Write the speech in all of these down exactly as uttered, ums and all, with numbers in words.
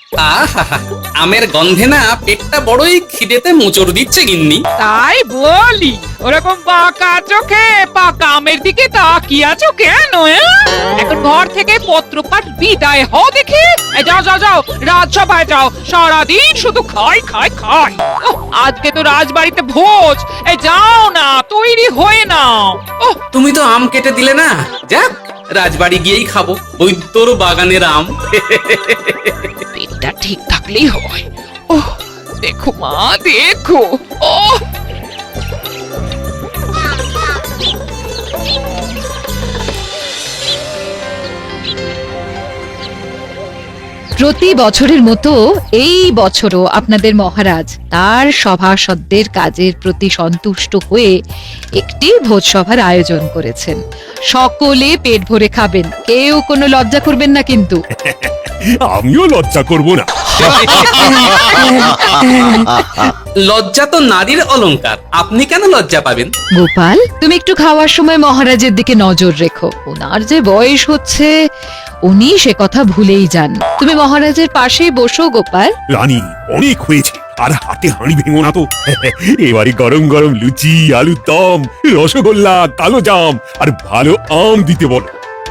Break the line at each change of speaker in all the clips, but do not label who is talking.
আহা, আমের গন্ধে না পেটটা বড়ই খিদেতে মোচড় দিচ্ছে গিন্নি।
তাই বলি, ওরকম বাঁকা চোখে পাকা আমের দিকে তাকিয়ে আছো কেন? এ? এখন ঘর থেকে পত্রপাঠ বিদায় হও দেখি। এই যাও যাও যাও, রাজসভায় যাও, সারাদিন শুধু খাই খাই খাই। ওহ, আজকে তো রাজবাড়িতে ভোজ, এই যাও না, তৈরি হয়ে নাও। ওহ,
তুমি তো আম কেটে দিলে না, যাক রাজবাড়ি গিয়েই খাবো বৈদ্যর বাগানের আম।
পেটটা ঠিক থাকলেই হয়। ওহ, দেখো মা দেখো। ওহ,
প্রতি বছরের মতো এই বছরও আপনাদের মহারাজ তার সভাসদদের কাজের প্রতি সন্তুষ্ট হয়ে একটি ভোজসভার আয়োজন করেছেন। সকলে পেট ভরে খাবেন, কেউ কোনো লজ্জা করবেন না কিন্তু।
আমিও লজ্জা করব না।
লজ্জা তো নারীর অলংকার, আপনি কেন লজ্জা পাবেন?
গোপাল, তুমি একটু খাওয়ার সময় মহারাজের দিকে নজর রেখো। ওনার যে বয়স হচ্ছে, উনি সে কথা ভুলেই যান। তুমি মহারাজের পাশেই বসো গোপাল।
রানী, অনেক হয়েছে, আর হাতে হাঁড়ি ভেঙো না তো। এবারে গরম গরম লুচি, আলুর দম, রসগোল্লা, কালো জাম আর ভালো আম দিতে বলো।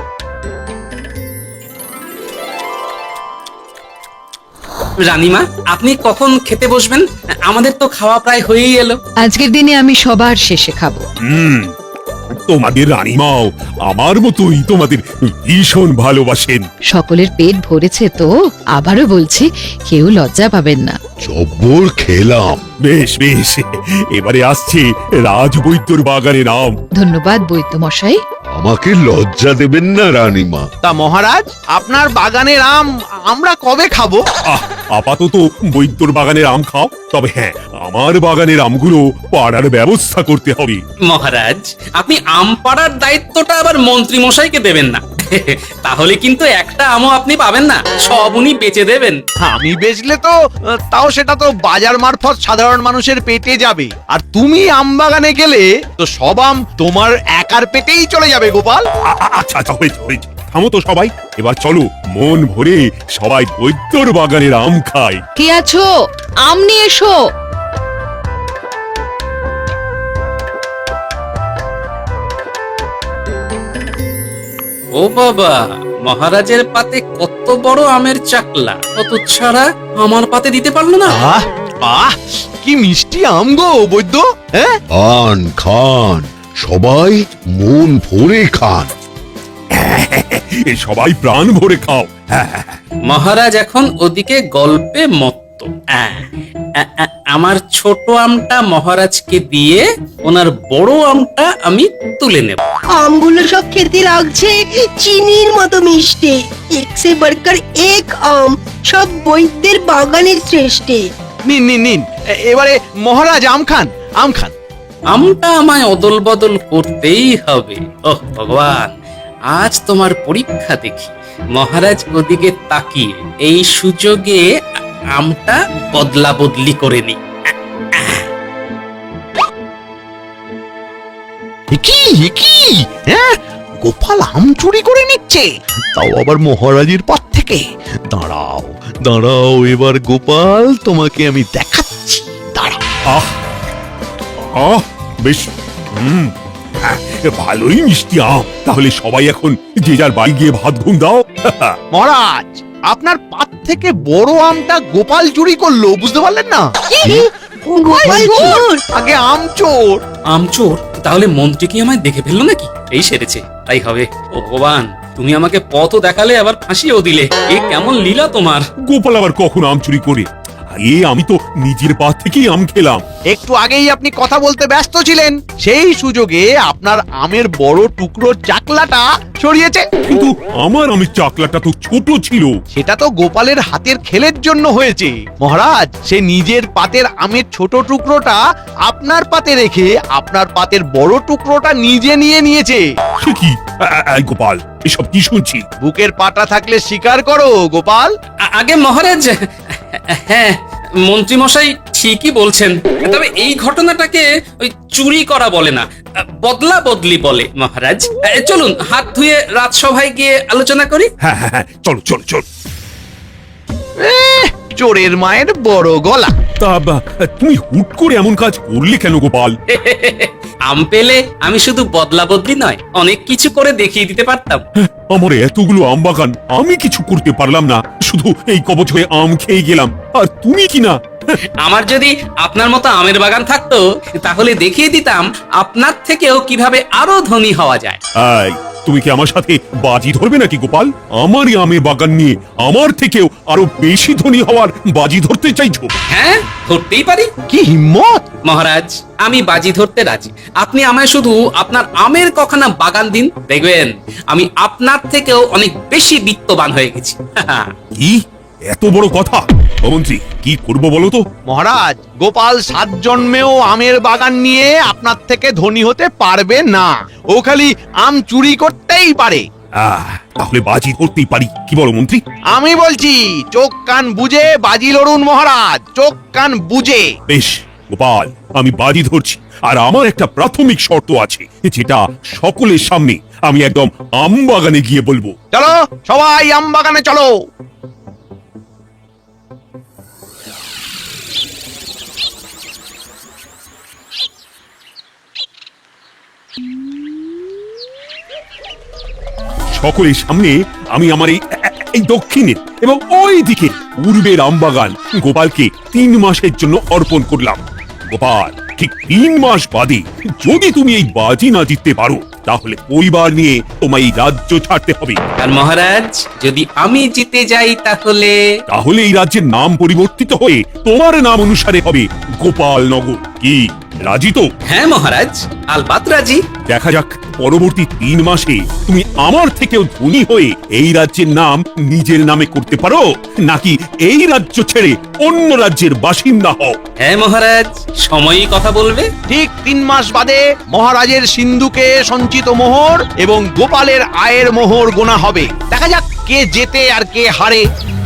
রানীমা, আপনি কখন খেতে বসবেন? আমাদের তো খাওয়া প্রায় হয়েই এলো।
আজকের দিনে আমি সবার শেষে খাবো।
হুম, তোমাদের রানীমাও আমার মতোই তোমাদের ভীষণ ভালোবাসেন।
সকলের পেট ভরেছে তো, আবারও বলছি, কেউ লজ্জা পাবেন না।
জব্বর খেলাম।
বেশ বেশ, এবারে আসছে রাজবৈদ্যর বাগানের আম।
ধন্যবাদ বৈদ্য মশাই।
আমাকে লজ্জা দেবেন না রানীমা।
তা মহারাজ, আপনার বাগানের আম আমরা কবে খাবো?
আহ, আপাতত বৈদ্যর বাগানের আম খাও, তবে হ্যাঁ, আমার বাগানের আমগুলো পাড়ার ব্যবস্থা করতে হবে।
মহারাজ, আপনি আম পাড়ার দায়িত্বটা আবার মন্ত্রী মশাইকে দেবেন না। তাহলে কিন্তু একটা আমও আপনি পাবেন না, সব উনি বেচে দেবেন।
আমি বেচলে তো আহ, তাও সেটা তো বাজার মারফত সাধারণ মানুষের পেটে যাবে, আর তুমি আম বাগানে গেলে তো সব আম তোমার একার পেটেই চলে যাবে গোপাল।
আ- আ- আচ্ছা আচ্ছা, হয়েছে হয়েছে, থামো তো সবাই, এবার চলো মন ভরে সবাই বৈদ্যর বাগানের আম খায়।
কে আছো? আম নিয়ে এসো।
ও বাবা, মহারাজের পাতে কত বড় আমের চাকলা, কত ছাড়া আমার পাতে দিতে পারলো না।
আহ আহ কি মিষ্টি আম গো বৈদ্য। হ্যাঁ,
খান খান, সবাই মন ভরে খান।
এ সবাই প্রাণ ভরে খাও। হ্যাঁ, হ্যাঁ, হ্যাঁ।
মহারাজ এখন ওদিকে গল্পে মত্ত। আহ, আ- আ- আমার ছোট আমটা মহারাজকে দিয়ে ওনার বড় আমটা আমি তুলে নেব।
আমগুলো সব খেতে লাগছে চিনির মতো মিষ্টি। এক সে বড়কর এক আম, সব বৈদ্যের বাগানের শ্রেষ্ঠ।
নিন নিন নিন, এ- এবারে মহারাজ আম খান, আম খান।
আমটা আমায় অদল বদল করতেই হবে। ওহ ভগবান, আজ তোমার পরীক্ষা দেখি। মহারাজ ওদিকে তাকিয়ে এই সুযোগে আ- আমটা বদলা বদলি করে নি।
কি কি? হ্যাঁ, গোপাল আম চুরি করে নিচ্ছে, তাও আবার মহারাজের পথ থেকে। দাঁড়াও দাঁড়াও, এবার গোপাল তোমাকে আমি দেখাচ্ছি, দাঁড়াও।
আহ আহ বেশ, হুম, হ্যাঁ, ভালোই মিষ্টি আম। তাহলে সবাই এখন যে যার বাড়ি গিয়ে ভাত ঘুম দাও।
মহারাজ, আপনার পাত থেকে বড় আমটা গোপাল চুরি করলো, বুঝতে পারলেন না?
গোপাল চোর!
আগে আম চোর।
আমচোর, তাহলে মন্ত্রী কি আমায় দেখে ফেললো নাকি? এই সেরেছে, তাই হবে। ও ভগবান, তুমি আমাকে পথও দেখালে আবার ফাঁসিয়েও দিলে। এ কেমন লীলা তোমার!
গোপাল আবার কখন আম চুরি করে? এ আমি তো নিজের পা থেকেই আম খেলাম।
একটু আগেই আপনি কথা বলতে ব্যস্ত ছিলেন, সেই সুযোগে আপনার আমের বড় টুকরো চাকলাটা ছড়িয়েছে।
কিন্তু আমার আমের চাকলাটা তো ছোট ছিল।
সেটা তো গোপালের হাতের খেলের জন্য হয়েছে মহারাজ। সে নিজের পাতের আমের ছোট টুকরোটা আপনার পাতে রেখে আপনার পাতের বড় টুকরোটা নিজে নিয়ে নিয়েছে।
সে কি? আ- আ- আ, গোপাল, এসব কি শুনছি?
বুকের পাটা থাকলে স্বীকার করো গোপাল।
আ- আগে মহারাজ, হ্যাঁ, মন্ত্রী মশাই ঠিকই বলছেন। তবে এই ঘটনাটাকে ওই চুরি করা বলে না, বদলা বদলি বলে মহারাজ। এ, চলুন হাত ধুয়ে রাজসভায় গিয়ে আলোচনা করি।
হ্যাঁ হ্যাঁ হ্যাঁ, চলো চলো চলো।
এহ, চোরের মায়ের বড় গলা।
তা বা, তুমি হুট করে এমন কাজ করলে কেন গোপাল?
আম পেলে আমি শুধু বদলা বদলি নয়, অনেক কিছু করে দেখিয়ে দিতে পারতাম।
আমার এতগুলো আম বাগান, আমি কিছু করতে পারলাম না, শুধু এই কবচ হয়ে আম খেয়ে গেলাম, আর তুমি কি না?
আমার যদি আপনার মতো আমের বাগান থাকতো তাহলে দেখিয়ে দিতাম আপনার থেকেও কিভাবে আরো ধনী হওয়া যায়।
এই, তুমি কি আমার সাথে বাজি ধরবে নাকি গোপাল? আমারই আমের বাগান নিয়ে আমার থেকেও আরো বেশি ধনী হওয়ার বাজি ধরতে চাইছো?
হ্যাঁ, ধরতেই পারি
কি হিম্মত!
মহারাজ, আমি বাজি ধরতে রাজি। আপনি আমায় শুধু আপনার আমের কখানা বাগান দিন, দেখবেন আমি আপনার থেকেও অনেক বেশি বিত্তবান হয়ে গেছি।
কি এত বড় কথা? ও মন্ত্রী, কি করবো বলো তো?
মহারাজ, গোপাল সাত জন্মেও আমের বাগান নিয়ে আপনার থেকে ধনী হতে পারবে না। ও খালি আম চুরি করতেই পারে।
আহ, তাহলে বাজি ধরতেই পারি, কি বলো মন্ত্রী?
আমি বলছি, চোখ কান বুঝে বাজি লড়ুন মহারাজ, চোখ কান বুঝে।
বেশ গোপাল, আমি বাজি ধরছি, আর আমার একটা প্রাথমিক শর্ত আছে, যেটা সকলের সামনে আমি একদম আম বাগানে গিয়ে বলবো।
চলো সবাই আম বাগানে চলো।
সকলের সামনে আমি আমার এই এই দক্ষিণে এবং ওই দিকে পূর্বের আমবাগান গোপালকে তিন মাসের জন্য অর্পণ করলাম। গোপাল, ঠিক তিন মাস বাদে যদি তুমি এই বাজি না জিততে পারো, তাহলে পরিবার নিয়ে তোমায় এই রাজ্য ছাড়তে হবে।
আর মহারাজ, যদি আমি জিতে যাই তাহলে?
তাহলে এই রাজ্যের নাম পরিবর্তিত হয়ে তোমার নাম অনুসারে হবে গোপাল নগর। কি রাজি তো?
হ্যাঁ মহারাজ, আলবাত রাজি।
দেখা যাক পরবর্তী তিন মাসে তুমি আমার থেকেও ধনী হয়ে এই রাজ্যের নাম নিজের নামে করতে পারো, নাকি এই রাজ্য ছেড়ে অন্য রাজ্যের বাসিন্দা হও।
হ্যাঁ মহারাজ, সময়ই কথা বলবে।
ঠিক তিন মাস বাদে মহারাজের সিন্ধুকে সঞ্চিত মোহর এবং গোপালের আয়ের মোহর গোনা হবে। দেখা যাক কে জেতে আর কে হারে।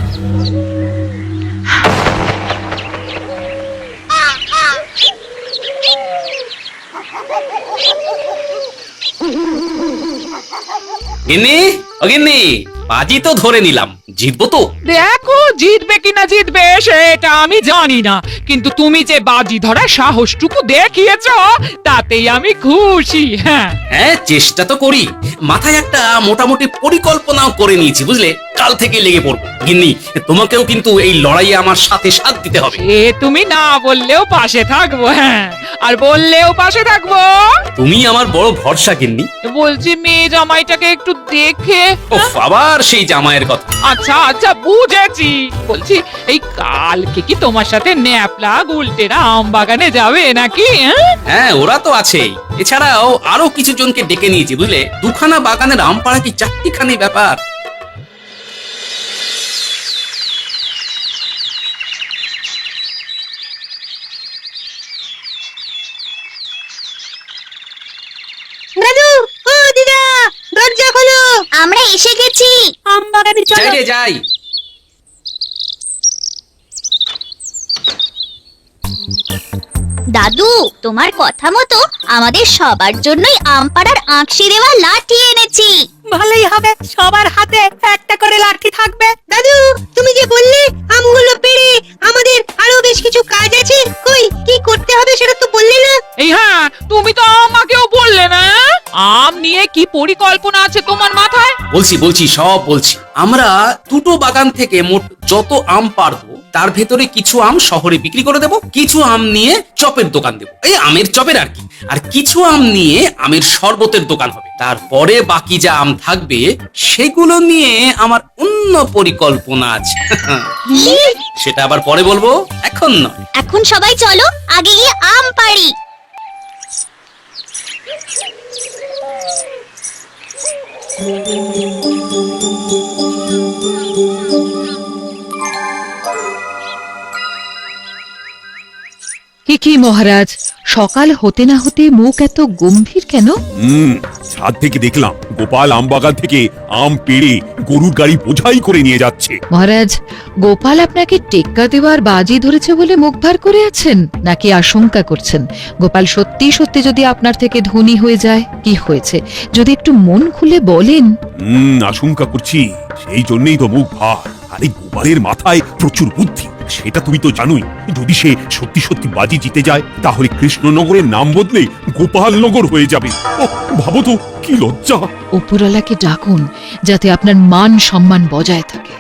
গিন্নি, ও গিন্নি, বাজি তো ধরে নিলাম, জিতবো তো?
দেখো, জিতবে কিনা জিতবে সেটা আমি জানি না, কিন্তু তুমি যে বাজি ধরার সাহসটুকু দেখিয়েছো তাতেই আমি খুশি। হ্যাঁ
হ্যাঁ, চেষ্টা তো করি। মাথায় একটা মোটামুটি পরিকল্পনাও করে নিয়েছি, বুঝলে? কাল থেকে লেগে পড়বো। গিন্নি, তোমাকেও কিন্তু এই লড়াইয়ে আমার সাথে সাথ দিতে হবে।
এ তুমি না বললেও পাশে থাকবো, হ্যাঁ, আর বললেও পাশে থাকবো।
তুমি আমার বড় ভরসা গিন্নি।
বলছি, মেয়ে জামাইটাকে একটু দেখে।
ওফ, আবার সেই জামাইয়ের কথা।
আচ্ছা আচ্ছা, বুঝেছি। বলছি, এই কালকে কি তোমার সাথে ন্যাপলা গুলটেরা আম বাগানে যাবে নাকি? হ্যাঁ?
হ্যাঁ, ওরা তো আছেই। এছাড়াও আরো কিছু জনকে ডেকে নিয়েছি, বুঝলে? দুখানা বাগানের আম পাড়া কি চারটিখানি ব্যাপার।
দাদু, ও দিদা, দরজা খোলো।
আমরা এসে গেছি।
আম বাগানে
যাই রে যাই।
দাদু, তোমার কথা মতো আমাদের সবার জন্যই আম পাড়ার আঁকশি দেওয়া লাঠি এনেছি।
ভালোই হবে, সবার হাতে একটা করে লাঠি থাকবে। দাদু, তুমি যে বললে আমগুলো পেড়ে আমাদের আরো বেশ কিছু কাজ আছে, কই কি করতে হবে সেটা তো বললে না।
এই হ্যাঁ, তুমি তো আমাকেও বললে না। আম নিয়ে কি পরিকল্পনা আছে তোমার মাথায়?
বলছি বলছি সব বলছি। আমরা দুটো বাগান থেকে মোট যত আম পারবো তার ভেতরে কিছু আম শহরে বিক্রি করে দেব, কিছু আম নিয়ে চপের দোকান দেব, এই আমের চপের আর কি। আর কিছু আম নিয়ে আমের শরবতের দোকান হবে। তারপরে বাকি যা আম থাকবে সেগুলো নিয়ে আমার অন্য পরিকল্পনা আছে। সেটা আবার পরে বলবো, এখন নয়।
এখন সবাই চলো আগে গিয়ে আম পাড়ি।
কি কি মহারাজ, সকাল হতে না হতে মুখ এত গম্ভীর কেন?
হুম, ছাদ থেকে দেখলাম গোপাল আম বাগান থেকে আম পেড়ে গরুর গাড়ি বোঝাই করে নিয়ে যাচ্ছে।
মহারাজ, গোপাল আপনাকে টেক্কা দেওয়ার বাজি ধরেছে বলে মুখ ভার করে আছেন, নাকি আশঙ্কা করছেন গোপাল সত্যি সত্যি যদি আপনার থেকে ধনী হয়ে যায়? কি হয়েছে যদি একটু মন খুলে বলেন।
হুম, আশঙ্কা করছি, সেই জন্যই তো মুখ ভার। আরে গোপালের মাথায় প্রচুর বুদ্ধি, সেটা তুমি তো জানোই, যদি সে সত্যি সত্যি বাজি জিতে যায় তাহলে কৃষ্ণনগরের নাম বদলে গোপালনগর হয়ে যাবে। ও ভাবো তো কি লজ্জা।
উপরওয়ালাকে ডাকুন যাতে আপনার মান সম্মান বজায় থাকে।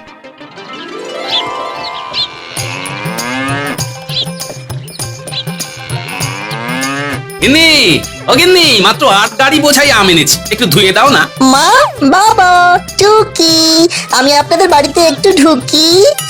গিন্নি, ও গিন্নি, মাত্র আট গাড়ি বোঝাই আম এনেছি, একটু ধুয়ে দাও না।
মা, বাবা, টুকি, আমি আপনাদের বাড়িতে একটু ঢুকি।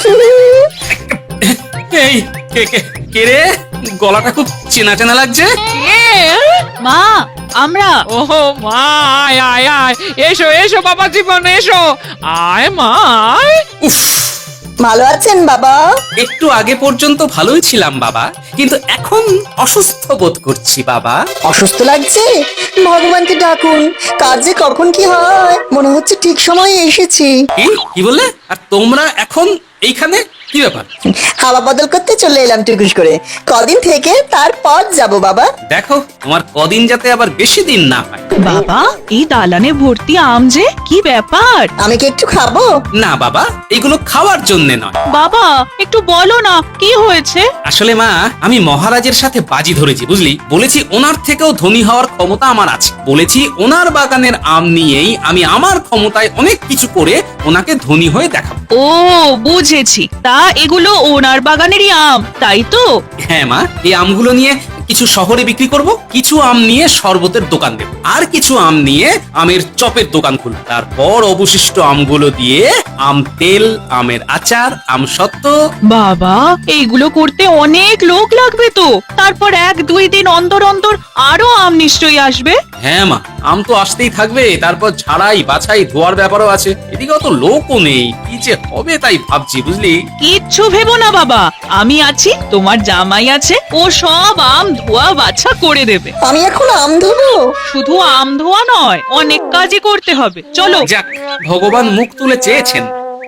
এই কে কে কে রে, গলাটা খুব চেনা চেনা লাগছে।
মা, আমরা
ওহো মা, আয় আয় আয়, এসো এসো বাবা জীবন, এসো, আয় মা আয়।
উফ,
ভালো আছেন বাবা?
একটু আগে পর্যন্ত ভালোই ছিলাম বাবা, কিন্তু এখন অসুস্থ বোধ করছি বাবা।
অসুস্থ লাগছে? ভগবানকে ডাকুন, কার যে কখন কি হয়, মনে হচ্ছে ঠিক সময়ে এসেছি।
কি কি বললে? আর তোমরা এখন এইখানে কি ব্যাপার?
হাওয়া বদল করতে চলে এলাম টুকুস করে, কদিন থেকে তারপর যাব বাবা।
দেখো তোমার কদিন যাতে আবার বেশি দিন না হয়।
বাবা, এই দালানে ভর্তি আম যে, কি ব্যাপার?
আমি কি একটু খাবো?
না বাবা, এগুলো খাওয়ার জন্য নয়।
বাবা, একটু বলো না কি হয়েছে?
আসলে মা, আমি মহারাজের সাথে বাজি ধরেছি বুঝলি। বলেছি ওনার থেকেও ধনী হওয়ার ক্ষমতা আমার আছে। বলেছি ওনার বাগানের আম নিয়েই আমি আমার ক্ষমতায় অনেক কিছু করে ওনাকে ধনী হয়ে দেখাবো।
ও বুঝেছি, তা এগুলো ওনার বাগানেরই আম, তাই তো?
হ্যাঁ মা, এই আমগুলো নিয়ে কিছু শহরে বিক্রি করব, কিছু আম নিয়ে শরবতের দোকান দেব, আর কিছু আম নিয়ে আমের চপের দোকান খুলব। তারপর অবশিষ্ট আমগুলো দিয়ে আম তেল, আমের আচার, আম সত্ত্ব।
বাবা, এইগুলো করতে অনেক লোক লাগবে তো। তারপর এক দুই দিন অন্তর অন্তর আরো আম নিশ্চয়ই আসবে।
হ্যাঁ মা, আম তো আসতেই থাকবে, তারপর ঝাড়াই বাছাই ধোয়ার ব্যাপারও আছে। এদিকে অত লোকও নেই, কি যে হবে তাই ভাবছি বুঝলি।
কিচ্ছু ভেবো না বাবা, আমি আছি, তোমার জামাই আছে, ও সব আম ধোয়া বাছা করে দেবে।
আমি এখন আম ধোবো?
শুধু আম ধোয়া নয়, অনেক কাজই করতে হবে, চলো।
যাক, ভগবান মুখ তুলে চেয়েছেন।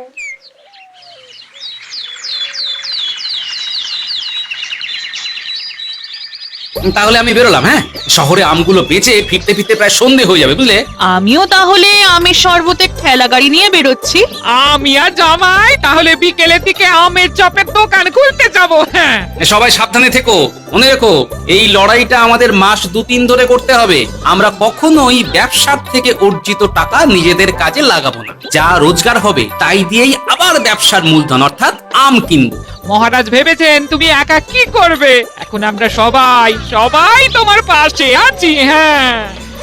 তাহলে আমি বেরোলাম। হ্যাঁ, শহরে আমগুলো বেচে ফিরতে ফিরতে প্রায় সন্ধে হয়ে যাবে বুঝলে।
আমিও তাহলে আমের শরবতের ঠেলা গাড়ি নিয়ে বেরোচ্ছি।
আমি আর জামাই তাহলে বিকেলের দিকে আমের চপের দোকান খুলতে যাব। হ্যাঁ,
সবাই সাবধানে থেকো, মনে রেখো এই লড়াইটা আমাদের মাস দু তিন ধরে করতে হবে। আমরা কখনোই ব্যবসার থেকে অর্জিত টাকা নিজেদের কাজে লাগাবো না। যা রোজগার হবে তাই দিয়েই আবার ব্যবসার মূলধন অর্থাৎ আম কিনবো।
মহারাজ ভেবেছেন তুমি একা কি করবে? এখন আমরা সবাই সবাই তোমার পাশে আছি। হ্যাঁ,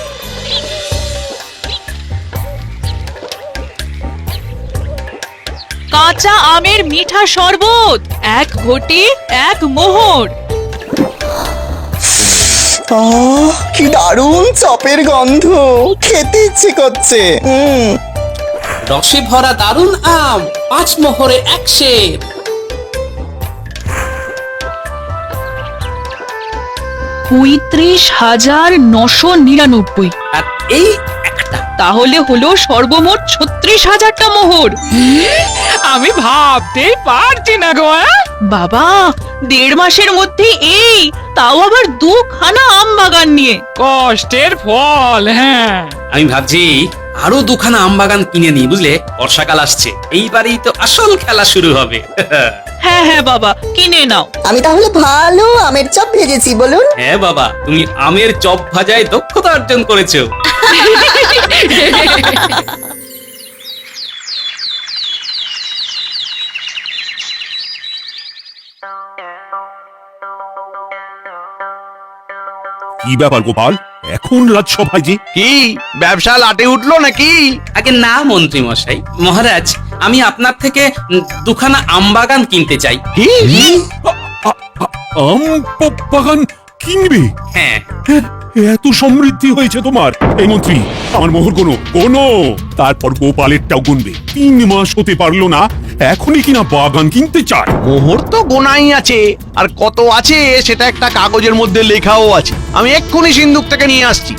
কাঁচা আমের মিঠা শরবত, এক ঘটি এক মোহর।
আহ, কি দারুণ চপের গন্ধ, খেতে ইচ্ছে করছে। হুম,
রসে ভরা দারুণ আম, পাঁচ মোহরে এক সের।
পঁয়ত্রিশ হাজার নশো নিরানব্বই।
আর এই একটা।
তাহলে হলো সর্বমোট ছত্রিশ হাজারটা মোহর।
আমি ভাবতেই পারছি না গো। হ্যাঁ?
বাবা, দেড় মাসের মধ্যে এই, তাও আবার দুখানা আম বাগান নিয়ে।
কষ্টের ফল। হ্যাঁ,
আমি ভাবছি আরো দুখানা আম বাগান কিনে নিই বুঝলে। বর্ষাকাল আসছে, এইবারই তো আসল খেলা শুরু হবে।
হ্যাঁ হ্যাঁ বাবা, কিনে নাও।
আমি তাহলে ভালো আমের চপ ভেজেছি বলুন।
হ্যাঁ বাবা, তুমি আমের চপ ভাজায় দক্ষতা অর্জন করেছো।
কি ব্যাপার গোপাল, এখন রাজসভায় যে?
কি ব্যবসা লাটে উঠলো নাকি?
আগে না মন্ত্রী মশাই, মহারাজ আমি আপনার থেকে উম, দুখানা আম বাগান কিনতে চাই।
কি?
আ- আ- আম প- বাগান কিনবে?
হ্যাঁ,
এত সমৃদ্ধি হয়েছে তোমার। এই মন্ত্রী, আমার মোহর কোনো কোনো তারপর গোপালেরটাও গুনবে। তিন মাস হতে পারলো না, এখনই কিনা বাগান কিনতে চায়।
মোহর তো গোনাই আছে, আর কত আছে সেটা একটা কাগজের মধ্যে লেখাও আছে। আমি এক্ষুনি সিন্ধুক থেকে নিয়ে আসছি।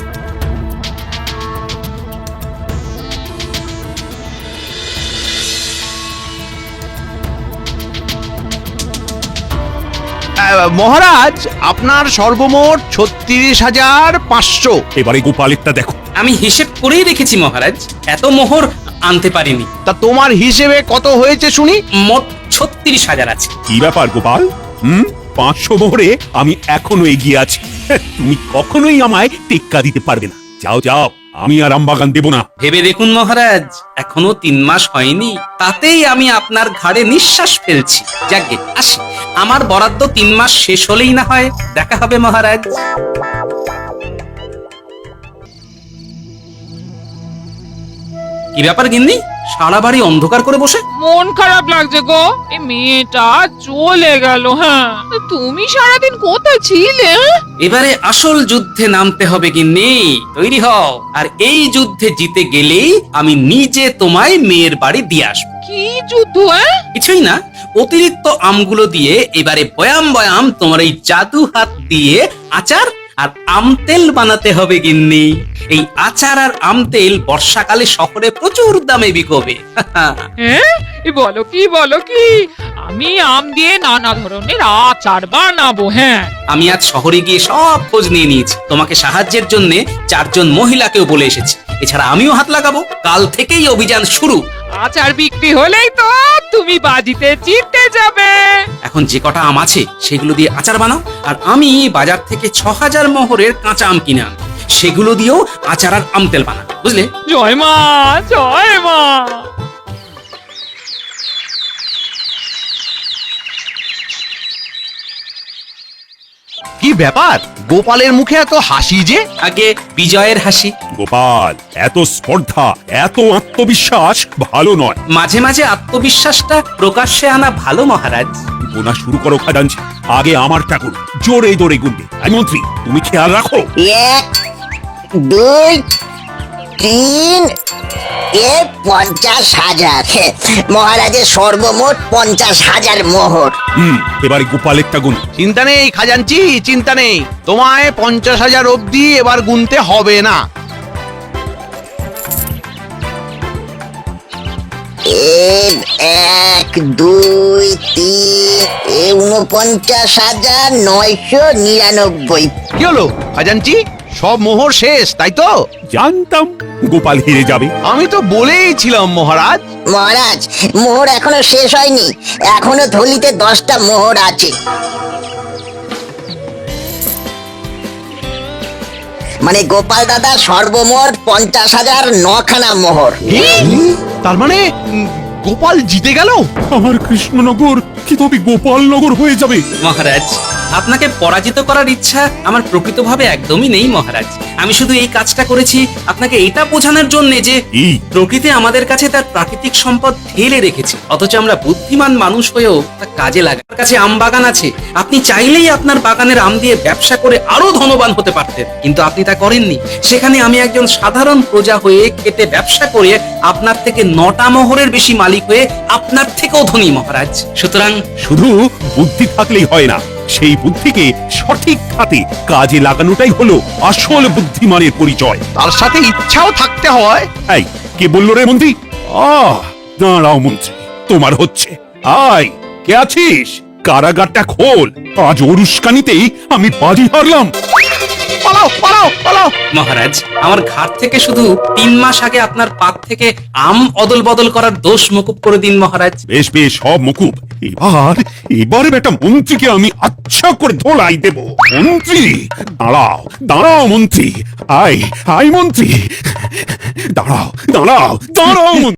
আহ, মহারাজ, আপনার সর্বমোট ছত্রিশ হাজার পাঁচশো।
এবারে গোপালেরটা দেখো।
আমি হিসেব করেই রেখেছি মহারাজ, এত মোহর আনতে পারিনি।
তা তোমার হিসেবে কত হয়েছে শুনি?
মোট ছত্রিশ হাজার আছে।
কি ব্যাপার গোপাল? হুম, পাঁচশো মোহরে আমি এখনো এগিয়ে আছি। তুমি কখনোই আমায় টেক্কা দিতে পারবে না। যাও যাও, আমি আর আমবাগান দেব না।
ভেবে দেখুন মহারাজ, এখনো তিন মাস হয়নি, তাতেই আমি আপনার ঘাড়ে নিঃশ্বাস ফেলছি। যাকে আসি, আমার বরাদ্দ তিন মাস শেষ হলেই না হয় দেখা হবে মহারাজ। কি ব্যাপার গিন্নি, সারা বাড়ি অন্ধকার করে বসে?
মন খারাপ লাগছে গো, এই মেয়েটা চলে গেল। হ্যাঁ, তুমি সারাদিন কোথায় ছিলে? হ্যাঁ?
এবারে আসল যুদ্ধে নামতে হবে গিন্নি, তৈরি হও। আর এই যুদ্ধে জিতে গেলেই আমি নিজে তোমায় মেয়ের বাড়ি দিয়ে আসবো।
কি যুদ্ধ? হ্যাঁ?
কিছুই না, অতিরিক্ত আমগুলো দিয়ে এবারে বয়াম বয়াম তোমার এই জাদু হাত দিয়ে আচার আর আম তেল বানাতে হবে গিন্নি। এই আচার আর আম তেল বর্ষাকালে শহরে প্রচুর দামে বিকবে।
হ্যাঁ, এ বলো কি বলো কি, আমি আম দিয়ে নানা ধরনের আচার বানাবো। হ্যাঁ,
আমি আজ শহরে গিয়ে সব খোঁজ নিয়ে নিয়েছি, তোমাকে সাহায্যের জন্য চারজন মহিলাকেও বলে এসেছি। এছাড়া আমিও হাত লাগাবো। কাল থেকেই অভিযান শুরু।
আচার বিক্রি হলেই তো তুমি বাজিতে জিতে যাবে।
এখন যে কটা আম আছে সেগুলো দিয়ে আচার বানাও, আর আমি বাজার থেকে ছ হাজার মোহরের কাঁচা আম কিনে আনবো, সেগুলো দিয়েও আচার আর আম তেল বানাবো, বুঝলে?
জয় মা, জয় মা।
কি ব্যাপার, গোপালের মুখে এত হাসি যে?
আগে বিজয়ের হাসি।
গোপাল, এত স্পর্ধা, এত আত্মবিশ্বাস ভালো নয়।
মাঝে মাঝে আত্মবিশ্বাসটা প্রকাশ্যে আনা ভালো মহারাজ।
গোনা শুরু করো খাজাঞ্চি, আগে আমারটা করো। জোরে জোরে গুনবে। আই মন্ত্রী, তুমি খেয়াল রাখো।
এক, দুই, তিন, এ পঞ্চাশ হাজার। মহারাজের সর্বমোট পঞ্চাশ হাজার মোহর।
হুম, এবারে গোপালেরটা গুন।
চিন্তা নেই খাজাঞ্চি, চিন্তা নেই, তোমায় পঞ্চাশ হাজার অব্দি এবার গুনতে হবে না।
এক, দুই, তিন, এ উনপঞ্চাশ হাজার নয়শো নিরানব্বই।
কি হলো খাজাঞ্চি, সব মোহর শেষ তাই তো?
জানতাম গোপাল হেরে যাবে।
আমি তো বলেই ছিলাম মহারাজ।
মহারাজ, মোহর এখনো শেষ হয়নি, এখনো থলিতে দশটা মোহর আছে। মানে গোপাল দাদা সর্বমোট পঞ্চাশ হাজার নখানা মোহর।
কি? তার মানে উম, গোপাল জিতে গেল?
আমার কৃষ্ণনগর কি তবে গোপালনগর হয়ে যাবে?
মহারাজ, আপনাকে পরাজিত করার ইচ্ছা আমার প্রকৃতভাবে একদমই নেই মহারাজ। আমি শুধু এই কাজটা করেছি আপনাকে এটা বোঝানোর জন্য যে
এই
প্রকৃতি আমাদের কাছে তার প্রাকৃতিক সম্পদ ঢেলে রেখেছে, অথচ আমরা বুদ্ধিমান মানুষ হয়েও তা কাজে লাগাই। আপনার কাছে আম বাগান আছে, আপনি চাইলেই আপনার বাগানের আম দিয়ে ব্যবসা করে আরো ধনবান হতে পারতেন, কিন্তু আপনি তা করেননি। সেখানে আমি একজন সাধারণ প্রজা হয়ে খেটে ব্যবসা করে আপনার থেকে নটা মোহরের বেশি মালিক হয়ে আপনার থেকেও ধনী মহারাজ। সুতরাং
শুধু বুদ্ধি থাকলেই হয় না, সেই বুদ্ধিকে সঠিক খাতে কাজে লাগানোটাই হলো আসল বুদ্ধিমানের পরিচয়।
তার সাথে ইচ্ছাও থাকতে হয়।
এই, কে বললো রে মন্ত্রী? আহ, দাঁড়াও মন্ত্রী, তোমার হচ্ছে। আয়, কে আছিস? কারাগারটা খোল। আজ ওরুস্কানিতেই আমি বাজি হারলাম।
পালাও পালাও পালাও।
মহারাজ, আমার ঘাট থেকে শুধু তিন মাস আগে আপনার পাত থেকে আম অদল বদল করার দোষ মকুব করে দিন মহারাজ।
বেশ বেশ, সব মুকুব। এবার এবার বেটা মন্ত্রীকে আমি আচ্ছা করে ধোলাই দেব। মন্ত্রী দাঁড়াও, দাঁড়াও মন্ত্রী। আয় আয় মন্ত্রী, দাঁড়াও দাঁড়াও দাঁড়াও মন্ত্রী।